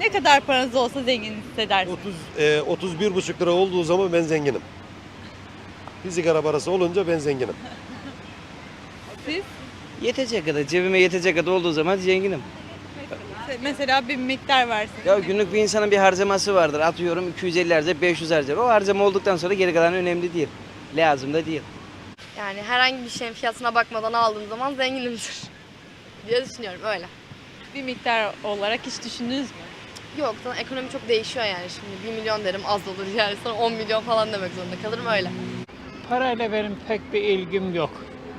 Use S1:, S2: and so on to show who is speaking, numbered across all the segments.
S1: Ne kadar paranız olsa zengin hissedersiniz?
S2: 31,5 lira olduğu zaman ben zenginim. Bir sigara parası olunca ben zenginim.
S1: Siz?
S3: Yetecek kadar, cebime yetecek kadar olduğu zaman zenginim.
S1: Mesela bir miktar versin.
S3: Ya günlük bir insanın bir harcaması vardır. Atıyorum 250 harcar, 500 harcar. O harcama olduktan sonra geri kalan önemli değil. Lazım da değil.
S4: Yani herhangi bir şeyin fiyatına bakmadan aldığım zaman zenginimdir diye düşünüyorum öyle.
S1: Bir miktar olarak hiç düşündünüz mü?
S4: Yok, sana ekonomi çok değişiyor yani şimdi 1 milyon derim az olur yani sonra 10 milyon falan demek zorunda kalırım öyle.
S5: Parayla benim pek bir ilgim yok.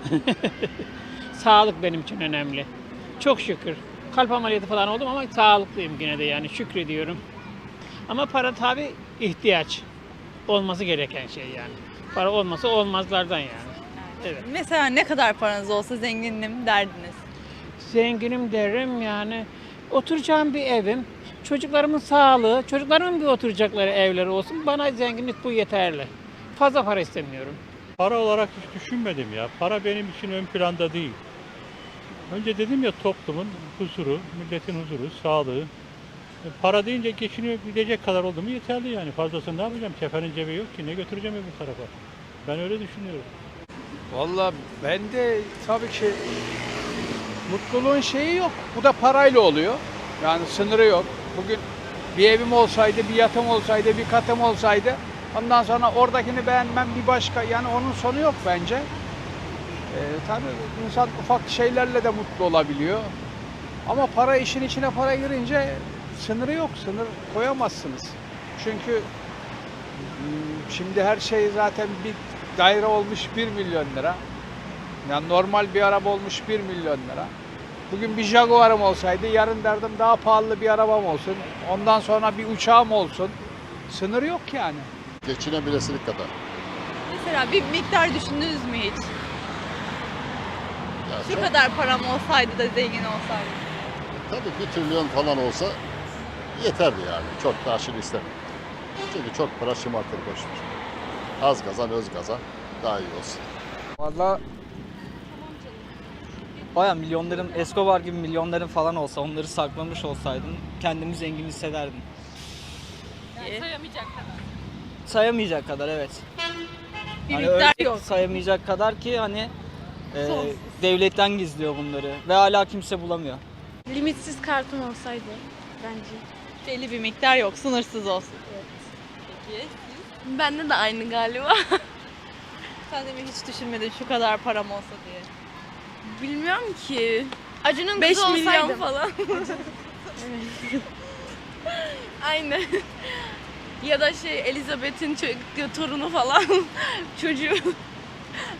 S5: Sağlık benim için önemli. Çok şükür. Kalp ameliyatı falan oldum ama sağlıklıyım yine de yani şükrediyorum. Ama para tabii ihtiyaç. Olması gereken şey yani. Para olmasa olmazlardan yani. Evet.
S1: Mesela ne kadar paranız olsa zenginim derdiniz.
S5: Zenginim derim yani. Oturacağım bir evim, çocuklarımın sağlığı, çocuklarımın bir oturacakları evleri olsun. Bana zenginlik bu yeterli. Fazla para istemiyorum.
S6: Para olarak hiç düşünmedim ya. Para benim için ön planda değil. Önce dedim ya toplumun huzuru, milletin huzuru, sağlığı. Para deyince geçinebilecek kadar oldu mu yeterli yani. Fazlasını ne yapacağım? Kefenin cebi yok ki. Ne götüreceğim öbür tarafa? Ben öyle düşünüyorum.
S7: Vallahi ben de tabii ki mutluluğun şeyi yok. Bu da parayla oluyor. Yani sınırı yok. Bugün bir evim olsaydı, bir yatım olsaydı, bir katım olsaydı ondan sonra oradakini beğenmem bir başka. Yani onun sonu yok bence. Tabii insan ufak şeylerle de mutlu olabiliyor. Ama para işin içine para girince sınırı yok. Sınır koyamazsınız. Çünkü şimdi her şey zaten bir daire olmuş 1 milyon lira. Yani normal bir araba olmuş 1 milyon lira. Bugün bir Jaguar'ım olsaydı yarın derdim daha pahalı bir arabam olsun. Ondan sonra bir uçağım olsun. Sınır yok yani.
S8: Geçinebilesilik kadar.
S1: Mesela bir miktar düşündünüz mü hiç?
S8: Ya
S1: Şu
S8: çok,
S1: kadar param olsaydı da zengin olsaydım.
S8: tabii 1 trilyon falan olsa yeterdi yani. Çok da aşırı istemiyorum. Çünkü çok para şımartır boşver. Az kazan öz kazan daha iyi olsun.
S9: Valla baya milyonların, Escobar gibi milyonların falan olsa, onları saklamış olsaydım kendimi zengin hissederdim.
S1: Sayamayacak kadar.
S9: Sayamayacak kadar evet.
S1: Bir
S9: Hani
S1: miktar
S9: öyle
S1: yok.
S9: sayamayacak kadar ki hani
S1: Sonsuz.
S9: devletten gizliyor bunları ve hala kimse bulamıyor.
S4: Limitsiz kartım olsaydı bence.
S1: Belli bir miktar yok. Sınırsız olsun. Evet. Peki.
S4: Bende de aynı galiba.
S1: Sen de mi hiç düşünmedin şu kadar param olsa diye?
S4: Bilmiyorum ki. Acun'un
S1: 5
S4: kızı
S1: milyon
S4: olsaydım. Falan. Aynen. Ya da Elizabeth'in torunu falan çocuğu.